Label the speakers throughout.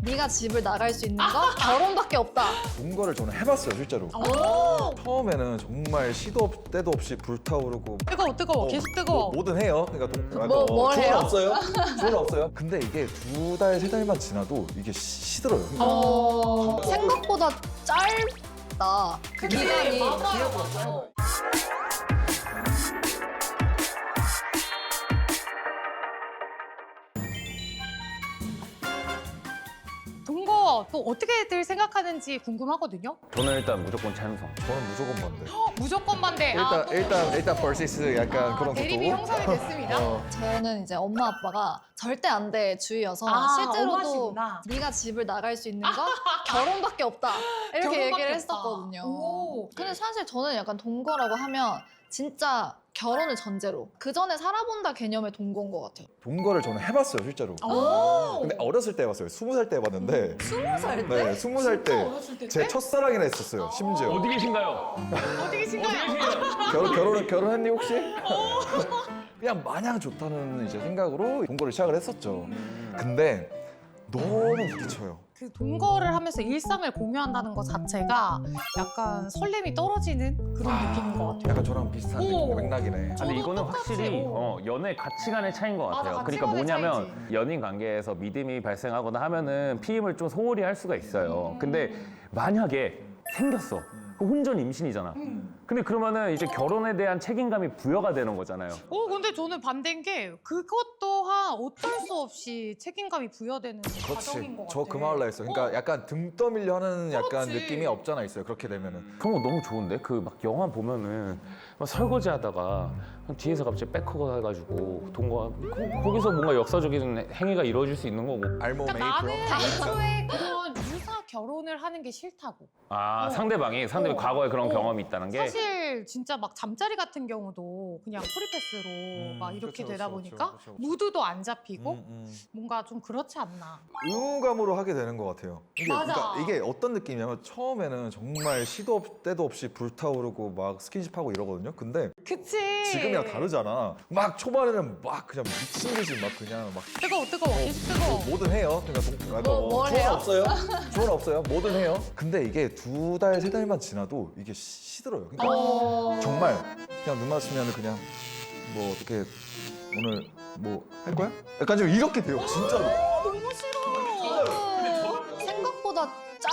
Speaker 1: 네가 집을 나갈 수 있는 거 결혼밖에 없다.
Speaker 2: 동거를 저는 해봤어요 실제로. 처음에는 정말 시도 때도 없이 불타오르고
Speaker 3: 뜨거워. 계속 뜨거워.
Speaker 2: 뭐든 해요. 그러니까
Speaker 1: 뭘
Speaker 2: 조언
Speaker 1: 해요?
Speaker 2: 없어요? 조언 없어요? 근데 이게 2달, 3달만 지나도 이게 시들어요.
Speaker 1: 생각보다 짧다. 그 기간이.
Speaker 3: 맞아요. 동거 또 어떻게들 생각하는지 궁금하거든요.
Speaker 4: 저는 일단 무조건 찬성.
Speaker 2: 저는 무조건 반대.
Speaker 3: 무조건 반대.
Speaker 2: 일단 벌시스 약간 그런
Speaker 3: 대립이
Speaker 2: 것도.
Speaker 3: 형성이 됐습니다.
Speaker 1: 저는 이제 엄마 아빠가 절대 안 돼 주의여서 실제로도
Speaker 3: 엄마시구나.
Speaker 1: 네가 집을 나갈 수 있는 거 결혼밖에 없다. 이렇게
Speaker 3: 결혼밖에
Speaker 1: 얘기를
Speaker 3: 없다.
Speaker 1: 했었거든요.
Speaker 3: 오.
Speaker 1: 근데 사실 저는 약간 동거라고 하면 진짜 결혼을 전제로 그 전에 살아본다 개념의 동거인 것 같아요.
Speaker 2: 동거를 저는 해봤어요 실제로.
Speaker 3: 오.
Speaker 2: 근데 어렸을 때 해봤어요. 20살 때 해봤는데.
Speaker 1: 20살 때?
Speaker 2: 네, 20살 때
Speaker 3: 어렸을 때?
Speaker 2: 제 첫사랑이라 했었어요. 심지어.
Speaker 4: 어디 계신가요?
Speaker 3: 어디 계신가요?
Speaker 2: 결혼했니 혹시? 그냥 마냥 좋다는 이제 생각으로 동거를 시작을 했었죠. 근데 너무 부딪혀요.
Speaker 3: 그 동거를 하면서 일상을 공유한다는 것 자체가 약간 설렘이 떨어지는 그런 느낌인 것 같아요.
Speaker 2: 약간 저랑 비슷한
Speaker 3: 오.
Speaker 2: 맥락이네.
Speaker 4: 근데
Speaker 3: 저도
Speaker 4: 이거는
Speaker 3: 똑같이,
Speaker 4: 확실히
Speaker 3: 어.
Speaker 4: 연애 가치관의 차이인 것
Speaker 3: 맞아,
Speaker 4: 같아요. 그러니까
Speaker 3: 가치관의
Speaker 4: 뭐냐면 연인 관계에서 믿음이 발생하거나 하면은 피임을 좀 소홀히 할 수가 있어요. 근데 만약에 생겼어. 그럼 혼전 임신이잖아. 근데 그러면은 이제 결혼에 대한 책임감이 부여가 되는 거잖아요.
Speaker 3: 근데 저는 반대인 게 그것 또한 어쩔 수 없이 책임감이 부여되는 과정인 것
Speaker 2: 그렇지.
Speaker 3: 같아.
Speaker 2: 저 그 말로 했어. 그러니까 약간 등 떠밀려 하는 약간
Speaker 3: 그렇지.
Speaker 2: 느낌이 없잖아 있어요. 그렇게 되면은.
Speaker 4: 그런 거 너무 좋은데? 그 막 영화 보면은 막 설거지 하다가 뒤에서 갑자기 백허가 해가지고 동거 거기서 뭔가 역사적인 행위가 이루어질 수 있는 거고.
Speaker 2: 알몸
Speaker 3: 그러니까 나는
Speaker 2: 에이프런.
Speaker 3: 애초에 그런 유사 결혼을 하는 게 싫다고.
Speaker 4: 상대방이 과거에 그런 경험이 있다는 게
Speaker 3: 사실 진짜 막 잠자리 같은 경우도 그냥 프리패스로 막 이렇게
Speaker 2: 그쵸,
Speaker 3: 되다
Speaker 2: 그쵸,
Speaker 3: 보니까
Speaker 2: 그쵸, 그쵸.
Speaker 3: 무드도 안 잡히고 뭔가 좀 그렇지 않나.
Speaker 2: 의무감으로 하게 되는 것 같아요.
Speaker 3: 맞아.
Speaker 2: 그러니까 이게 어떤 느낌이냐면 처음에는 정말 시도 때도 없이 불타오르고 막 스킨십하고 이러거든요. 근데
Speaker 3: 그치.
Speaker 2: 지금이랑 다르잖아. 막 초반에는 막 그냥 미친 듯이 막 그냥 막
Speaker 3: 뜨거워. 계속 뜨거워.
Speaker 2: 뭐든 해요. 그러니까
Speaker 1: 뭘
Speaker 2: 조언
Speaker 1: 해요?
Speaker 2: 없어요? 조언 없어요? 뭐든 해요. 근데 이게 2달, 3달만 지나도 이게 시들어요. 그러니까 정말 그냥 눈 마주치면 그냥 뭐 어떻게 오늘 뭐 할 거야? 약간 좀 이렇게 돼요. 진짜로.
Speaker 3: 너무 싫어.
Speaker 1: 생각보다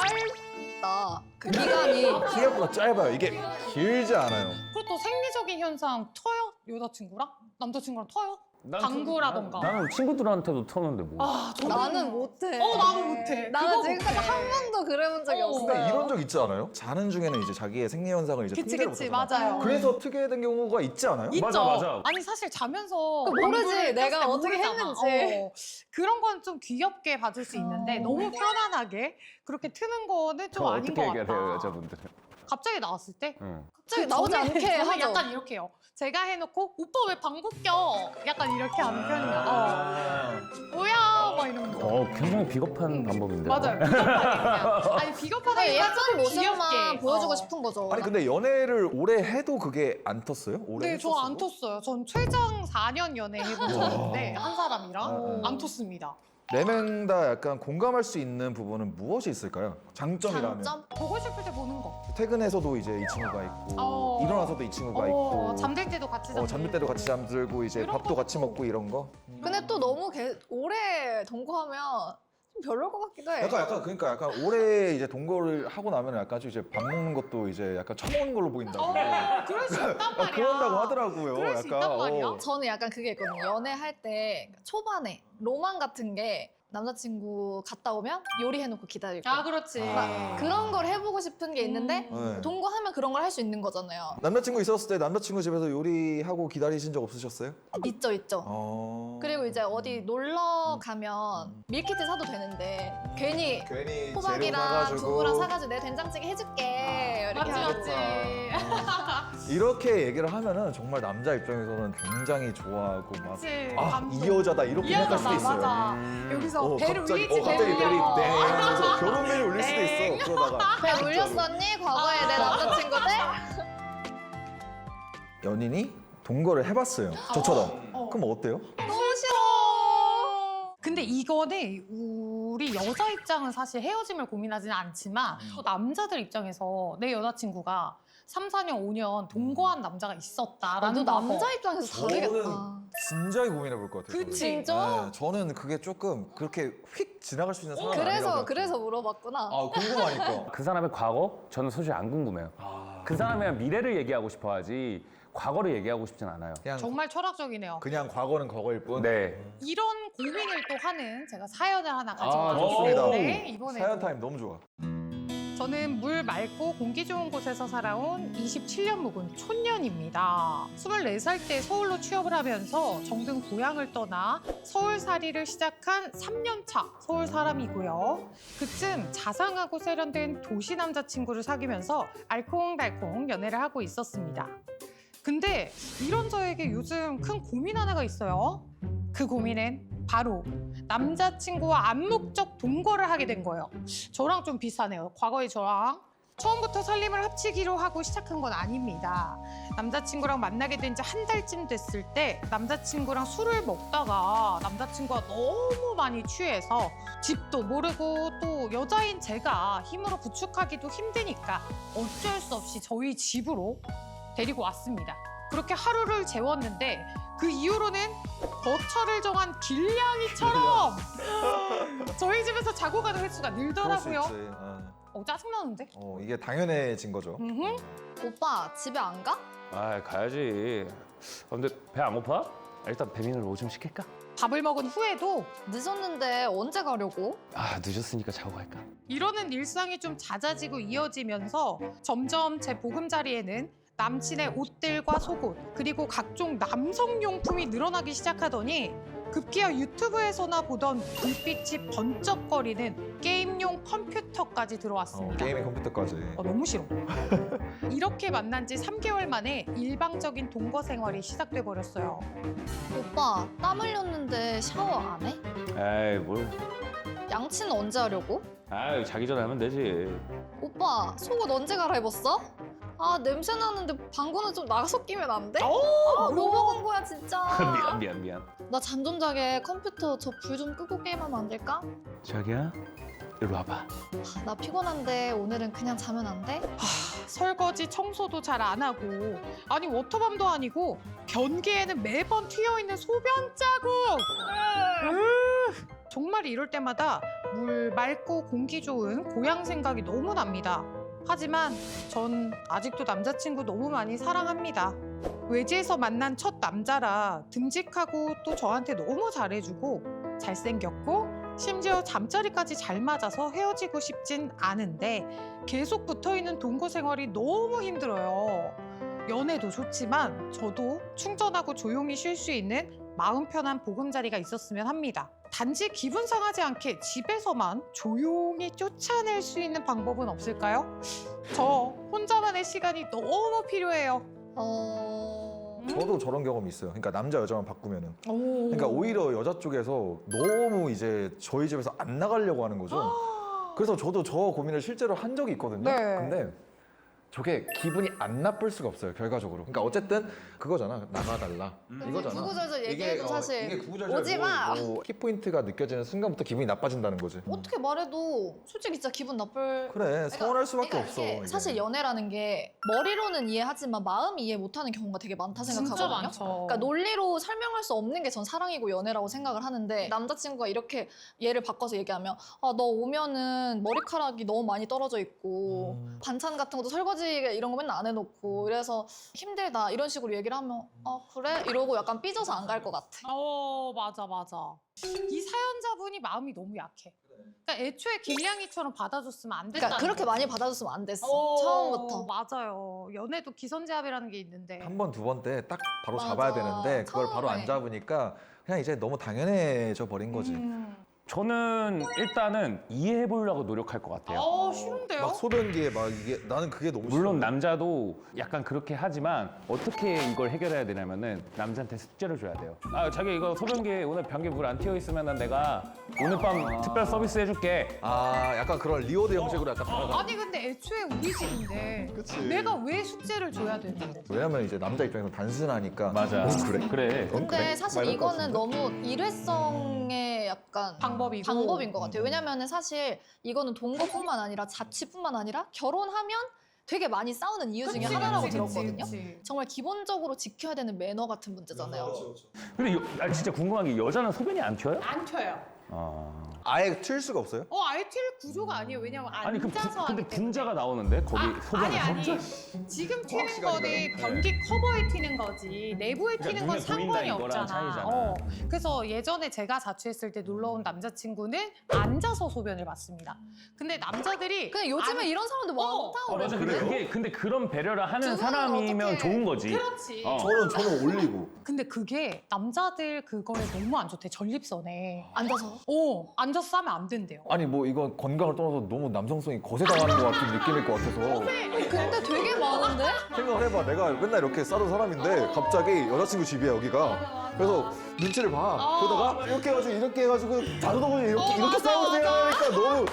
Speaker 1: 짧다. 그 기간이.
Speaker 2: 생각보다 짧아요. 이게 길지 않아요.
Speaker 3: 그리고 또 생리적인 현상 터요? 여자친구랑? 남자친구랑 터요?
Speaker 4: 난
Speaker 3: 방구라던가.
Speaker 4: 나는 친구들한테도 터는데 뭐.
Speaker 1: 나는 못해.
Speaker 3: 나도 못해.
Speaker 1: 나는
Speaker 3: 그거
Speaker 1: 지금까지
Speaker 3: 못해.
Speaker 1: 한 번도 그래본 적이 없어요.
Speaker 2: 근데 이런 적 있지 않아요? 자는 중에는 이제 자기의 생리 현상을 이제
Speaker 3: 그치,
Speaker 2: 통제를
Speaker 3: 그치,
Speaker 2: 못하잖아.
Speaker 3: 맞아요.
Speaker 2: 그래서 특이된 경우가 있지 않아요?
Speaker 3: 있죠.
Speaker 4: 맞아.
Speaker 3: 아니 사실 자면서
Speaker 1: 모르지,
Speaker 3: 방구를
Speaker 1: 내가
Speaker 3: 꼈을 때
Speaker 1: 어떻게
Speaker 3: 모르잖아.
Speaker 1: 했는지.
Speaker 3: 그런 건 좀 귀엽게 봐줄 수 있는데 너무 편안하게 그렇게 트는 거는 좀
Speaker 4: 저
Speaker 3: 아닌
Speaker 4: 어떻게
Speaker 3: 것
Speaker 4: 얘기를
Speaker 3: 같다.
Speaker 4: 해요 여자분들은?
Speaker 3: 갑자기 나왔을 때
Speaker 4: 응.
Speaker 1: 갑자기 나오지 않게
Speaker 3: 저는
Speaker 1: 하죠.
Speaker 3: 약간 이렇게 해요. 제가 해놓고 오빠 왜 방구 껴? 약간 이렇게 하는 편이야. 뭐야? 막 이런 거.
Speaker 4: 굉장히 비겁한 방법인데.
Speaker 3: 맞아요. 비겁하게. 아니 비겁하게
Speaker 1: 그냥 예쁜 모습만
Speaker 3: 귀엽게.
Speaker 1: 보여주고 싶은 거죠.
Speaker 2: 아니 근데 연애를 오래 해도 그게 안 텄어요? 오래
Speaker 3: 네, 저 안
Speaker 2: 했었어도?
Speaker 3: 텄어요. 전 최장 4년 연애 해본 적인데 한 사람이랑
Speaker 2: 아.
Speaker 3: 안 텄습니다.
Speaker 2: 네 명 다 약간 공감할 수 있는 부분은 무엇이 있을까요? 장점이라면
Speaker 1: 장점?
Speaker 3: 보고 싶을 때 보는 거.
Speaker 2: 퇴근해서도 이제 이 친구가 있고
Speaker 3: 어.
Speaker 2: 일어나서도 이 친구가 있고
Speaker 3: 잠들 때도 같이 잠들고.
Speaker 2: 잠들 때도 같이 잠들고 이제
Speaker 3: 이런
Speaker 2: 밥도 같이
Speaker 3: 것도.
Speaker 2: 먹고 이런 거
Speaker 1: 근데 또 너무 오래 동거하면 좀 별로일 것 같기도 해.
Speaker 2: 그러니까 약간 오래 이제 동거를 하고 나면 약간 좀 이제 밥 먹는 것도 이제 약간 처먹는 걸로 보인다고
Speaker 3: 그럴 수 있단 말이야.
Speaker 2: 그런다고 하더라고요.
Speaker 3: 그럴 수 있단 말이야.
Speaker 1: 저는 약간 그게 있거든요. 연애할 때 초반에 로망 같은 게 남자친구 갔다 오면 요리해놓고 기다릴 거.
Speaker 3: 아, 그렇지.
Speaker 2: 아.
Speaker 1: 그런 걸 해보고 싶은 게 있는데
Speaker 2: 네.
Speaker 1: 동거하면 그런 걸 할 수 있는 거잖아요.
Speaker 2: 남자친구 있었을 때 남자친구 집에서 요리하고 기다리신 적 없으셨어요?
Speaker 1: 있죠. 그리고 이제 어디 놀러 가면 밀키트 사도 되는데 괜히
Speaker 2: 괜히
Speaker 1: 호박이랑 두부랑 사가지고 내 된장찌개 해줄게 이렇게
Speaker 3: 맞지,
Speaker 1: 하고.
Speaker 3: 맞지.
Speaker 2: 이렇게 얘기를 하면은 정말 남자 입장에서는 굉장히 좋아하고 막
Speaker 3: 그치.
Speaker 2: 아,
Speaker 3: 감동.
Speaker 2: 이 여자다 이렇게
Speaker 3: 이
Speaker 2: 생각할
Speaker 3: 여자다,
Speaker 2: 수도 있어요.
Speaker 3: 맞아. 여기서 배를
Speaker 2: 갑자기,
Speaker 3: 울리지,
Speaker 2: 갑자기
Speaker 3: 배를
Speaker 2: 배를
Speaker 3: 울려.
Speaker 2: 네 하면서 결혼 배를 울릴 수도
Speaker 3: 네.
Speaker 2: 있어. 그러다가
Speaker 1: 배 울렸었니? 과거에 내 남자친구들?
Speaker 2: 연인이 동거를 해봤어요. 저처럼. 그럼 어때요?
Speaker 1: 너무 싫어.
Speaker 3: 근데 이거는 우리 여자 입장은 사실 헤어짐을 고민하지는 않지만 또 남자들 입장에서 내 여자친구가 3, 4년, 5년 동거한 남자가 있었다라는
Speaker 1: 나도
Speaker 3: 거.
Speaker 1: 남자 입장에서 다르겠다.
Speaker 2: 진작에 고민해 볼 것 같아요.
Speaker 3: 그치.
Speaker 1: 진짜?
Speaker 2: 네, 저는 그게 조금 그렇게 휙 지나갈 수 있는 상황이 아니라서.
Speaker 1: 그래서 물어봤구나.
Speaker 2: 아, 궁금하니까.
Speaker 4: 그 사람의 과거? 저는 솔직히 안 궁금해요. 그 사람의 미래를 얘기하고 싶어 하지 과거를 얘기하고 싶진 않아요.
Speaker 2: 그냥
Speaker 3: 정말 철학적이네요.
Speaker 2: 그냥 과거는 과거일 뿐.
Speaker 4: 네.
Speaker 3: 이런 고민을 또 하는 제가 사연을 하나
Speaker 2: 아,
Speaker 3: 가져왔는데
Speaker 2: 좋습니다.
Speaker 3: 네, 이번에
Speaker 2: 사연 타임 너무 좋아.
Speaker 3: 저는 물 맑고 공기 좋은 곳에서 살아온 27년 묵은 촌년입니다. 24살 때 서울로 취업을 하면서 정든 고향을 떠나 서울살이를 시작한 3년차 서울 사람이고요. 그쯤 자상하고 세련된 도시 남자친구를 사귀면서 알콩달콩 연애를 하고 있었습니다. 근데 이런 저에게 요즘 큰 고민 하나가 있어요. 그 고민은 바로 남자친구와 암묵적 동거를 하게 된 거예요. 저랑 좀 비슷하네요. 과거의 저랑. 처음부터 살림을 합치기로 하고 시작한 건 아닙니다. 남자친구랑 만나게 된 지 한 달쯤 됐을 때 남자친구랑 술을 먹다가 남자친구가 너무 많이 취해서 집도 모르고 또 여자인 제가 힘으로 부축하기도 힘드니까 어쩔 수 없이 저희 집으로 데리고 왔습니다. 그렇게 하루를 재웠는데 그 이후로는 거처를 정한 길냥이처럼 저희 집에서 자고 가는 횟수가
Speaker 2: 그럴 수
Speaker 3: 늘더라고요.
Speaker 2: 있지.
Speaker 3: 짜증나는데?
Speaker 2: 이게 당연해진 거죠.
Speaker 3: 음흠.
Speaker 1: 오빠 집에 안 가?
Speaker 4: 아, 가야지. 근데 배 안 고파? 일단 배민을 뭐 좀 시킬까?
Speaker 3: 밥을 먹은 후에도
Speaker 1: 늦었는데 언제 가려고?
Speaker 4: 아, 늦었으니까 자고 갈까?
Speaker 3: 이러는 일상이 좀 잦아지고 이어지면서 점점 제 보금자리에는 남친의 옷들과 속옷 그리고 각종 남성용품이 늘어나기 시작하더니 급기야 유튜브에서나 보던 불빛이 번쩍거리는 게임용 컴퓨터까지 들어왔습니다.
Speaker 2: 게임의 컴퓨터까지.
Speaker 3: 너무 싫어. 이렇게 만난 지 3개월 만에 일방적인 동거 생활이 시작돼 버렸어요.
Speaker 1: 오빠 땀 흘렸는데 샤워 안 해?
Speaker 4: 에이, 뭘.
Speaker 1: 양치는 언제 하려고?
Speaker 4: 아, 자기 전에 하면 되지.
Speaker 1: 오빠 속옷 언제 갈아입었어? 아 냄새 나는데 방구는 좀 나가서 끼면 안 돼? 뭐 먹은 거야 진짜.
Speaker 4: 미안.
Speaker 1: 나 잠 좀 자게 컴퓨터 저 불 좀 끄고 게임하면 안 될까?
Speaker 4: 자기야, 이리 와봐.
Speaker 1: 아, 나 피곤한데 오늘은 그냥 자면 안 돼?
Speaker 3: 설거지, 청소도 잘 안 하고 아니 워터밤도 아니고 변기에는 매번 튀어있는 소변 자국! 정말 이럴 때마다 물 맑고 공기 좋은 고향 생각이 너무 납니다. 하지만 전 아직도 남자친구 너무 많이 사랑합니다. 외지에서 만난 첫 남자라 듬직하고 또 저한테 너무 잘해주고 잘생겼고 심지어 잠자리까지 잘 맞아서 헤어지고 싶진 않은데 계속 붙어있는 동거 생활이 너무 힘들어요. 연애도 좋지만 저도 충전하고 조용히 쉴 수 있는 마음 편한 보금자리가 있었으면 합니다. 단지 기분 상하지 않게 집에서만 조용히 쫓아낼 수 있는 방법은 없을까요? 저 혼자만의 시간이 너무 필요해요.
Speaker 2: 저도 저런 경험이 있어요. 그러니까 남자 여자만 바꾸면은.
Speaker 3: 오.
Speaker 2: 그러니까 오히려 여자 쪽에서 너무 이제 저희 집에서 안 나가려고 하는 거죠. 그래서 저도 저 고민을 실제로 한 적이 있거든요.
Speaker 3: 네.
Speaker 2: 근데 저게 기분이 안 나쁠 수가 없어요, 결과적으로. 그러니까 어쨌든 그거잖아. 나가달라. 이거잖아.
Speaker 1: 구구절절 얘기해도 사실
Speaker 2: 이게 구구절절
Speaker 1: 오지 마.
Speaker 2: 키포인트가 느껴지는 순간부터 기분이 나빠진다는 거지.
Speaker 1: 어떻게 말해도 솔직히 진짜 기분 나쁠.
Speaker 2: 그래, 서운할 수밖에
Speaker 1: 그러니까
Speaker 2: 없어.
Speaker 1: 이게
Speaker 2: 이게.
Speaker 1: 사실 연애라는 게 머리로는 이해하지만 마음이 이해 못하는 경우가 되게 많다 생각하거든요.
Speaker 3: 진짜 많죠.
Speaker 1: 그러니까 논리로 설명할 수 없는 게 전 사랑이고 연애라고 생각을 하는데 남자친구가 이렇게 얘를 바꿔서 얘기하면 아, 너 오면은 머리카락이 너무 많이 떨어져 있고 반찬 같은 것도 설거지 이런 거 맨날 안 해놓고 이래서 힘들다 이런 식으로 얘기를 하면 아 그래? 이러고 약간 삐져서 안 갈 것 같아.
Speaker 3: 맞아. 이 사연자분이 마음이 너무 약해. 그러니까 애초에 길냥이처럼 받아줬으면 안 됐다.
Speaker 1: 그러니까 그렇게 많이 받아줬으면 안 됐어. 처음부터.
Speaker 3: 맞아요. 연애도 기선제압이라는 게 있는데.
Speaker 2: 한 번, 두 번 때 딱 바로
Speaker 1: 맞아.
Speaker 2: 잡아야 되는데 그걸 바로
Speaker 1: 처음에.
Speaker 2: 안 잡으니까 그냥 이제 너무 당연해져 버린 거지.
Speaker 4: 저는 일단은 이해해 보려고 노력할 것 같아요.
Speaker 3: 쉬운데요?
Speaker 2: 막 소변기에 막 이게 나는 그게 너무
Speaker 4: 물론
Speaker 2: 싫어.
Speaker 4: 남자도 약간 그렇게 하지만 어떻게 이걸 해결해야 되냐면은 남자한테 숙제를 줘야 돼요. 아, 자기 이거 소변기에 오늘 변기에 물 안 튀어 있으면은 내가 오늘 밤 특별 서비스 해줄게.
Speaker 2: 아, 약간 그런 리오드 형식으로 약간 다가가.
Speaker 3: 아니 근데 애초에 우리 집인데 내가 왜 숙제를 줘야 되는 거야?
Speaker 2: 왜냐면 이제 남자 입장에서 단순하니까.
Speaker 4: 맞아.
Speaker 2: 그래?
Speaker 4: 그래.
Speaker 1: 근데
Speaker 2: 그래?
Speaker 1: 사실
Speaker 2: 막 이럴 것
Speaker 1: 이거는
Speaker 2: 같은데?
Speaker 1: 너무 일회성의 약간
Speaker 3: 방법이고.
Speaker 1: 방법인 것 같아요. 왜냐면은 사실 이거는 동거뿐만 아니라 자취뿐만 아니라 결혼하면 되게 많이 싸우는 이유 중에
Speaker 3: 그치,
Speaker 1: 하나라고
Speaker 3: 그치,
Speaker 1: 들었거든요.
Speaker 3: 그치.
Speaker 1: 정말 기본적으로 지켜야 되는 매너 같은 문제잖아요.
Speaker 4: 근데 진짜 궁금한 게 여자는 소변이 안 튀어요?
Speaker 3: 안 튀어요.
Speaker 2: 아예 튈 수가 없어요?
Speaker 3: 아예 튈 구조가 아니에요. 왜냐면
Speaker 4: 아니
Speaker 3: 앉아서
Speaker 4: 근데
Speaker 3: 하기 때문에.
Speaker 4: 분자가 나오는데 거기 소변에서?
Speaker 3: 아니 지금 튀는
Speaker 2: 시간이네요.
Speaker 3: 거는 변기 커버에 튀는 거지 내부에
Speaker 4: 그러니까
Speaker 3: 튀는 건
Speaker 4: 눈에 보인다
Speaker 3: 상관이
Speaker 4: 이거랑
Speaker 3: 없잖아.
Speaker 4: 차이잖아.
Speaker 3: 그래서 예전에 제가 자취했을 때 놀러 온 남자친구는 앉아서 소변을 봤습니다. 근데 남자들이
Speaker 1: 근데 요즘에 이런 사람도 많다고
Speaker 4: 맞아.
Speaker 1: 그러는데.
Speaker 4: 근데 그런 배려를 하는
Speaker 1: 두 분은
Speaker 4: 사람이면
Speaker 1: 어떻게-
Speaker 4: 좋은 거지.
Speaker 3: 그렇지.
Speaker 2: 저는 올리고.
Speaker 3: 근데 그게 남자들 그거에 너무 안 좋대. 전립선에.
Speaker 1: 앉아서.
Speaker 3: 앉아서 싸면 안 된대요.
Speaker 2: 아니 뭐 이건 건강을 떠나서 너무 남성성이 거세당하는 것 같은 느낌일 것 같아서
Speaker 1: 근데 되게 많은데?
Speaker 2: 생각을 해봐. 내가 맨날 이렇게 싸던 사람인데 갑자기 여자친구 집이야 여기가. 그래서 눈치를 봐. 그러다가 이렇게 해가지고 자주동을 이렇게 싸우세요 하니까 너무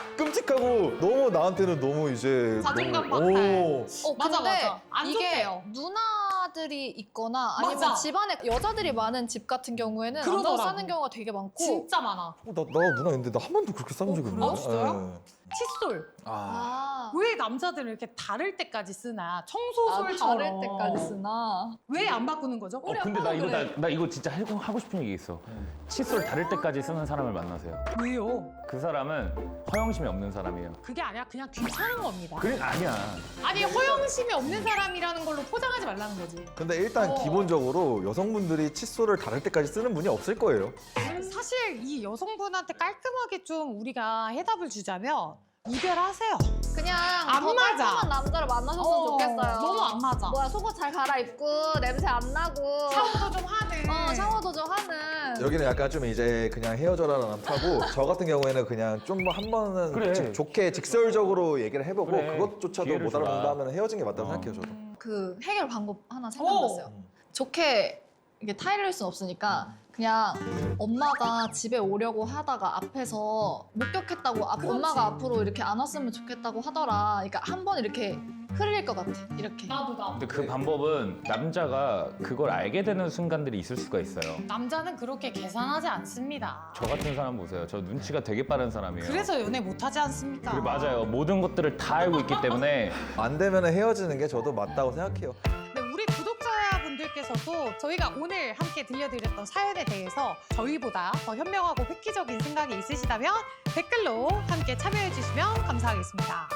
Speaker 2: 끔찍하고 너무 나한테는 너무 이제
Speaker 3: 자존감
Speaker 2: 너무-
Speaker 3: 박탈.
Speaker 2: 오.
Speaker 3: 맞아,
Speaker 1: 근데
Speaker 3: 맞아. 안
Speaker 1: 이게
Speaker 3: 좋대요.
Speaker 1: 누나들이 있거나 아니면
Speaker 3: 맞아.
Speaker 1: 집안에 여자들이 많은 집 같은 경우에는 앉아서
Speaker 3: 그러더라고.
Speaker 1: 싸는 경우가 되게 많고
Speaker 3: 진짜 많아.
Speaker 2: 나 누나 있는데 나 한 번도 그렇게 싸운 적이
Speaker 3: 그래요?
Speaker 2: 없는데.
Speaker 3: 진짜요? 칫솔.
Speaker 1: 아,
Speaker 3: 왜 남자들은 이렇게 다를 때까지 쓰나? 청소솔처럼.
Speaker 1: 다를 때까지 쓰나?
Speaker 3: 왜 안 바꾸는 거죠?
Speaker 4: 근데 나 이거 진짜 하고 싶은 얘기 있어. 칫솔 다를 때까지 쓰는 사람을 만나세요.
Speaker 3: 왜요?
Speaker 4: 그 사람은 허영심이 없는 사람이에요.
Speaker 3: 그게 아니라 그냥 귀찮은 겁니다.
Speaker 4: 그래 아니야.
Speaker 3: 아니 허영심이 없는 사람이라는 걸로 포장하지 말라는 거지.
Speaker 2: 근데 일단 기본적으로 여성분들이 칫솔을 다를 때까지 쓰는 분이 없을 거예요.
Speaker 3: 사실 이 여성분한테 깔끔하게 좀 우리가 해답을 주자면 이별하세요.
Speaker 1: 그냥
Speaker 3: 안
Speaker 1: 더
Speaker 3: 맞아.
Speaker 1: 깔끔한 남자를 만나셨으면 좋겠어요.
Speaker 3: 너무 안 맞아.
Speaker 1: 뭐야, 속옷 잘 갈아입고 냄새 안 나고
Speaker 3: 샤워도 좀 하는.
Speaker 1: 샤워도 좀 하는.
Speaker 2: 여기는 약간 좀 이제 그냥 헤어져라는 타고 저 같은 경우에는 그냥 좀 한 번은
Speaker 4: 그래.
Speaker 2: 좋게 직설적으로 얘기를 해보고
Speaker 4: 그래.
Speaker 2: 그것조차도
Speaker 4: 기회를
Speaker 2: 못
Speaker 4: 주라.
Speaker 2: 알아본다면 헤어진 게 맞다고
Speaker 4: 어.
Speaker 2: 생각해요 저도.
Speaker 1: 그 해결 방법 하나 생각났어요. 좋게 이게 타이를 순 없으니까 그냥 엄마가 집에 오려고 하다가 앞에서 목격했다고 엄마가 앞으로 이렇게 안 왔으면 좋겠다고 하더라. 그러니까 한 번 이렇게 흐릴 것 같아. 이렇게.
Speaker 3: 나도.
Speaker 4: 근데 그 방법은 남자가 그걸 알게 되는 순간들이 있을 수가 있어요.
Speaker 3: 남자는 그렇게 계산하지 않습니다.
Speaker 4: 저 같은 사람 보세요. 저 눈치가 되게 빠른 사람이에요.
Speaker 3: 그래서 연애 못하지 않습니까?
Speaker 4: 그래, 맞아요. 모든 것들을 다 알고 있기 때문에
Speaker 2: 안 되면 헤어지는 게 저도 맞다고 생각해요.
Speaker 3: 네, 우리 구독자분들께서도 저희가 오늘 함께 들려드렸던 사연에 대해서 저희보다 더 현명하고 획기적인 생각이 있으시다면 댓글로 함께 참여해 주시면 감사하겠습니다.